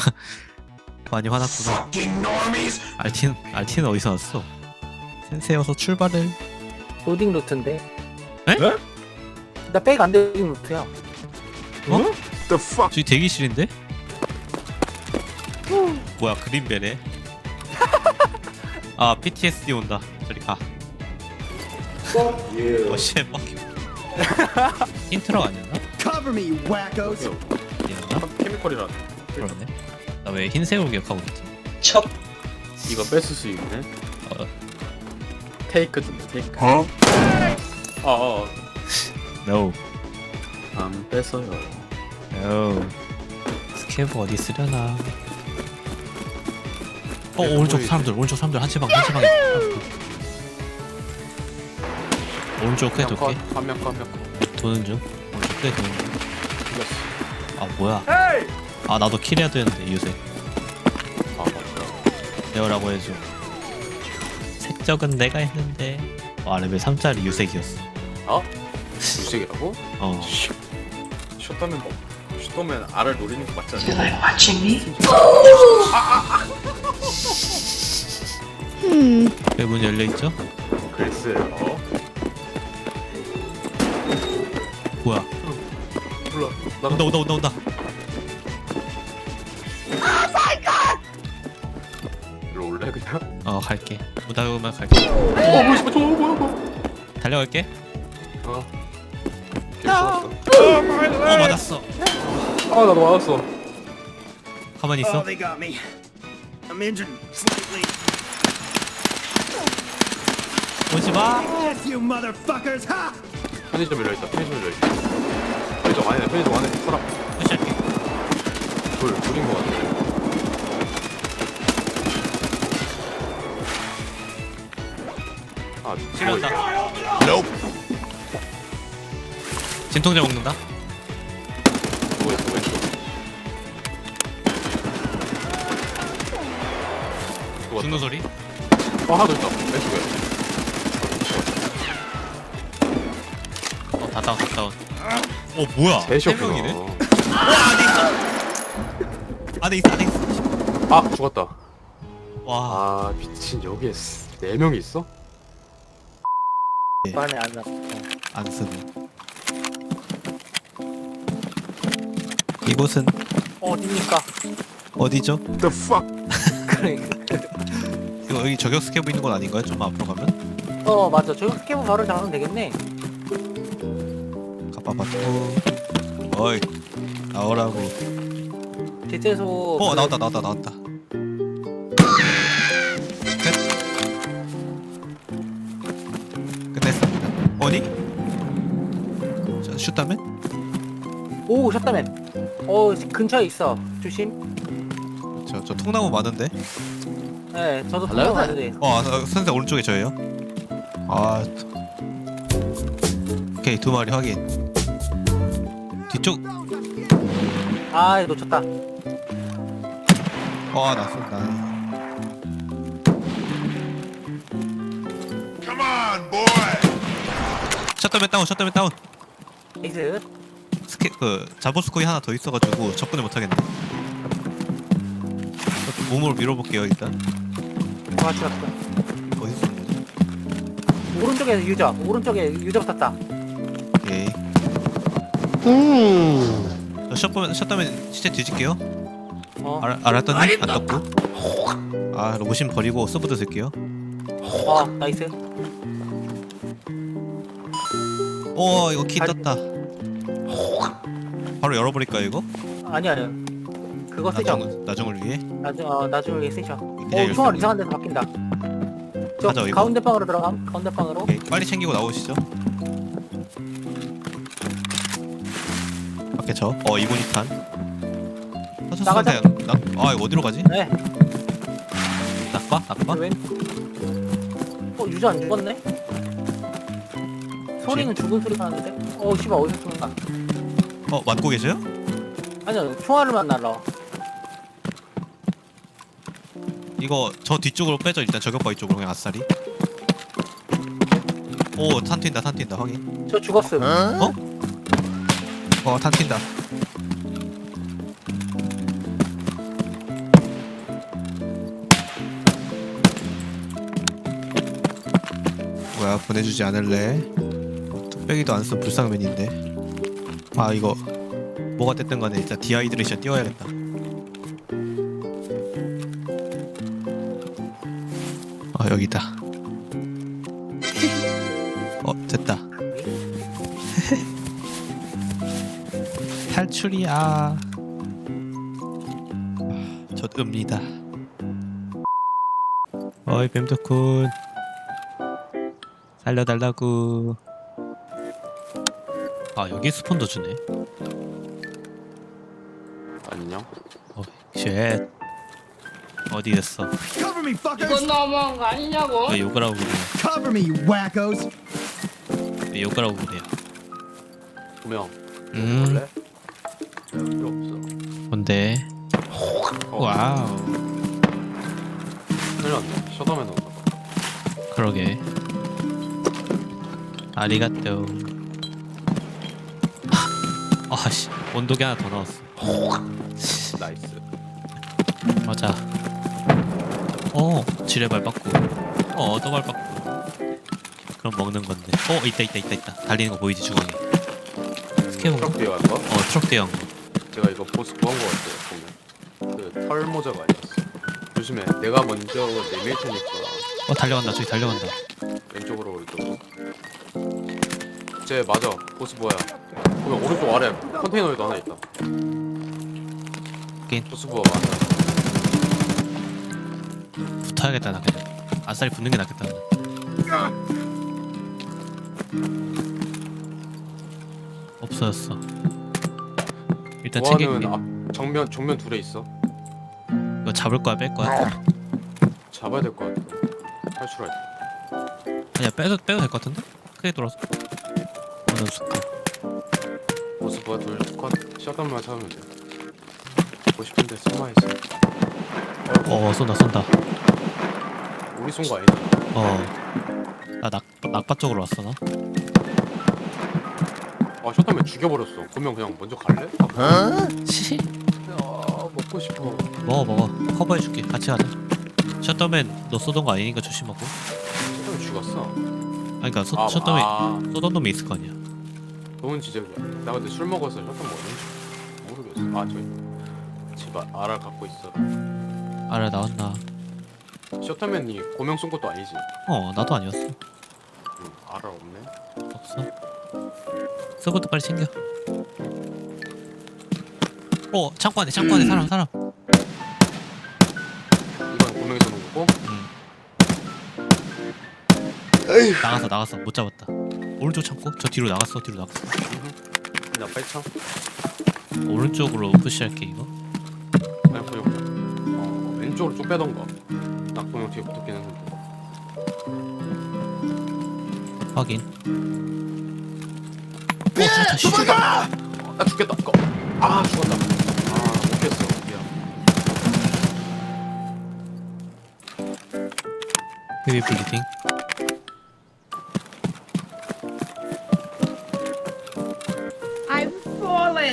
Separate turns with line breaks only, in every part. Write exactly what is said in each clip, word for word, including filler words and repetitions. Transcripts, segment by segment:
많이 화났구나. 알틴 알틴은 어디서 왔어? 센세여서 출발을.
로딩 루트인데.
에?
네?
나 백 안 되는 루트야.
어?
The fuck?
저기 대기실인데? 뭐야 그린벨에? 아 피티에스디 온다. 저리 가.
예.
어씨 뻑. 힌트라고 아니었나?
Cover me, you wackos!
아니었나?
케미컬이라.
그러네. 나 왜 흰색으로 기억하고 있지?
이거 뺏을 수 있네.
어.
테이크 좀 테이크.
Huh?
아, 어.
No.
안 뺏어요.
No. 스케브 어디 쓰려나? 어 오른쪽 사람들 오른쪽 사람들 한치방 한치방에. 오른쪽 크게 돌게.
한명 컷, 한명 컷.
도는 중. 오른쪽 크게 도는 중.
죽였어.
아 뭐야? 아 나도 킬해야 되는데 유색.
아, 맞다.
내어라고 해줘. 색적은 내가 했는데. 와 레벨 삼짜리 유색이었어.
어? 무색이라고?
어.
슛다면 뭐? 슛다면 알을 노리는 거 맞지
You
않아?
like watching me?
왜 문 열려 있죠?
글쎄요.
뭐야?
몰라. 나
온다 온다 온다 온다.
일로 올래 그냥?
어 갈게. 문 닫으면 갈게.
어, 뭐야, 뭐야, 뭐야, 뭐야, 뭐야.
달려갈게.
어. 괜찮았어.
어 맞았어.
아, 나도 맞았어.
가만히
Oh,
있어.
they got me. I'm injured slightly.
오지 마.
Yes, you motherfuckers! Ha!
편의점 열려 있다. 편의점 열려 있다. 편의점 안에, 편의점 안에 사람.
푸시할게.
둘, 둘인 거 같아. 아,
치료한다. 진통제 먹는다.
누워있어, 왼쪽. 누웠다.
죽는 소리.
어, 하나 더 있다. 왼쪽에.
어 다 다운 다 다운. 어 뭐야? 세
셋이었구나.
명이네. 안에 있어 안에 있어.
아, 죽었다.
와.
아, 미친. 여기에 스- 네 명이 있어?
안에 안 나.
안 쓰네. 이곳은
어디니까?
어디죠?
The fuck?
그래.
이거 여기 저격 스캐브 있는 건 아닌가요? 좀 앞으로 가면?
어 맞아. 저 스캐브 바로 잡으면 되겠네.
가봐봤고. 어이 나오라고.
대체소.
어 나왔다 나왔다 나왔다. 끝. 끝냈습니다. 어디? 자 슛다면?
오 샷다맨. 어 근처에 있어. 조심.
저, 저 통나무 많은데?
네, 저도
달라요?
통화 왔는데.
어, 아, 선생 오른쪽에 저예요. 아, 오케이 두 마리 확인. 뒤쪽,
아 놓쳤다.
어, 나 쏜다. 샷다맨 다운, 샷다맨 다운.
에이스.
스케, 그 자보스코이 하나 더 있어가지고 접근을 못하겠네. 몸으로 밀어볼게요 일단.
아 죽었다.
어디 쏘는 거지?
오른쪽에 유저. 오른쪽에 유저 붙었다.
오케이. 저 샷다맨, 샷다맨 시체 뒤질게요.
어.
알, 알았더니 안 떴고. 아, 로봇신 버리고 서브드 쓸게요.
어 나이스.
오, 이거 키
아,
떴다. 바로 열어버릴까요 이거?
아니야 아니야. 그거 쓰죠.
나중, 나중을 위해?
나중 어 나중에 쓰죠.
그냥
어
열쇠.
총알 이상한 데서 바뀐다. 저
가자, 이거.
가운데 방으로 들어감. 가운데 방으로.
오케이, 빨리 챙기고 나오시죠. 밖에 저. 어 이번 이 탄.
나가자.
아 이거 어디로 가지?
네.
낙바? 낙바?
왼. 어 유저 안 죽었네? 소리는 죽은 소리가 나는데? 어 씨발 어디서 쏘는가?
어 맞고 계세요?
아니요 총알을만 날라.
이거 저 뒤쪽으로 빼죠. 일단 저격바 이쪽으로 그냥 아싸리. 오 탄 튄다 탄 튄다 확인.
저 죽었음.
어? 어탄 튄다. 거야? 보내주지 않을래? 뚝배기도 안 쓴 불쌍맨인데. 아 이거 뭐가 됐든 간에 진짜 디하이드레이션 띄워야겠다. 어 여기다. 어 됐다. 탈출이야. 젖읍니다. 어이 뱀덕군 살려달라구. 아 여기 스폰도 주네.
안녕.
어, 쉣. 어디 있어?
Cover me,
이건
fuckers!
너무한 거 아니냐고?
왜 욕을 하고 그래요?
Cover me, you wackos!
왜 욕을 하고 그래요?
분명.
음
원래 필요 없어.
뭔데?
어,
와우.
큰일 났네. 셔다맨 온다.
그러게. 아리가또. 아씨 온도계 하나 더 넣었어.
나이스.
맞아. 어 지뢰발 받고. 어 또발 받고. 그럼 먹는 건데. 어 있다 있다 있다 있다. 달리는 거 보이지 중앙에. 스케보가?
트럭 뒤에 간 거?
어 트럭 대형 거.
제가 이거 보스 구한 거 같아요. 보면 그 털 모자가 아니었어. 조심해. 내가 먼저 내밀 테니까
어 달려간다 저기 달려간다.
왼쪽으로 이쪽으로. 쟤 맞아. 보스 뭐야? 보면 오른쪽 아래 컨테이너에도 하나 있다.
긴.
보스 부하 맞아.
붙어야겠다 나 그냥. 아싸리 붙는 게 낫겠다 나. 없어졌어. 일단 챙길게.
부하는 앞 정면 정면 둘에 있어.
이거 잡을 거야 뺄 거야?
잡아야 될 것 같아. 탈출할 때.
아니야 빼도 빼도 될 것 같은데? 크게 돌아서. 어느 순간.
보스 부하 둘 컷. 샷건만 잡으면 돼. 보고 싶은데 숨어있어.
어 쏜다 쏜다.
우리 쏜 거 아니야?
어나 낙 낙바 쪽으로 왔어 나.
아 샷건맨 죽여버렸어. 그러면 그냥 먼저 갈래?
시
아 먹고 싶어.
먹어 먹어. 커버해줄게. 같이 가자. 셔터맨 너 쏘던 거 아니니까 조심하고.
샷건맨 죽었어.
아니 그니까
아,
셔터맨
아,
쏘던 놈이 있을 거 아니야.
좋은 지적이야. 나 근데 술 먹어서 샷건 뭐는지 모르겠어. 아 저기 제발 알아 갖고 있어.
알아 나왔나.
셔터맨이 고명 쏜 것도 아니지.
어 나도 아니었어.
응, 알아 없네.
없어. 서브도 빨리 챙겨. 어 창고 안에 창고 안에 사람 사람.
이건 고명이 쏘는 거고.
응. 나갔어 나갔어 못 잡았다. 오른쪽 창고 저 뒤로 나갔어 뒤로 나갔어.
나 빨창.
오른쪽으로 푸시할게 이거.
아니 고명. 어 왼쪽으로 쭉 빼던가. 나 고명 뒤에 붙었긴 했는데.
확인. 오 좋다 씨.
어, 나 죽겠다. 이거. 아 죽었다. 아못 깼어. 미안.
헤비 블리딩.
I've fallen.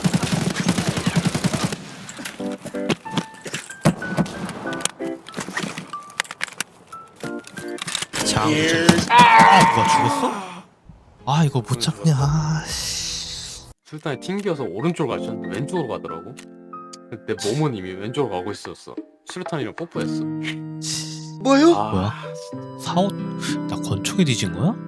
장. 아 뭐야 죽었어? 아 이거 못 잡냐. 아, 씨.
술탄이 튕겨서 오른쪽으로 가셨는데 왼쪽으로 가더라고. 근데 내 몸은 이미 왼쪽으로 가고 있었어. 술탄이랑 뽀뽀했어.
뭐요?
아,
뭐야? 사오 나 권총이 뒤진 거야?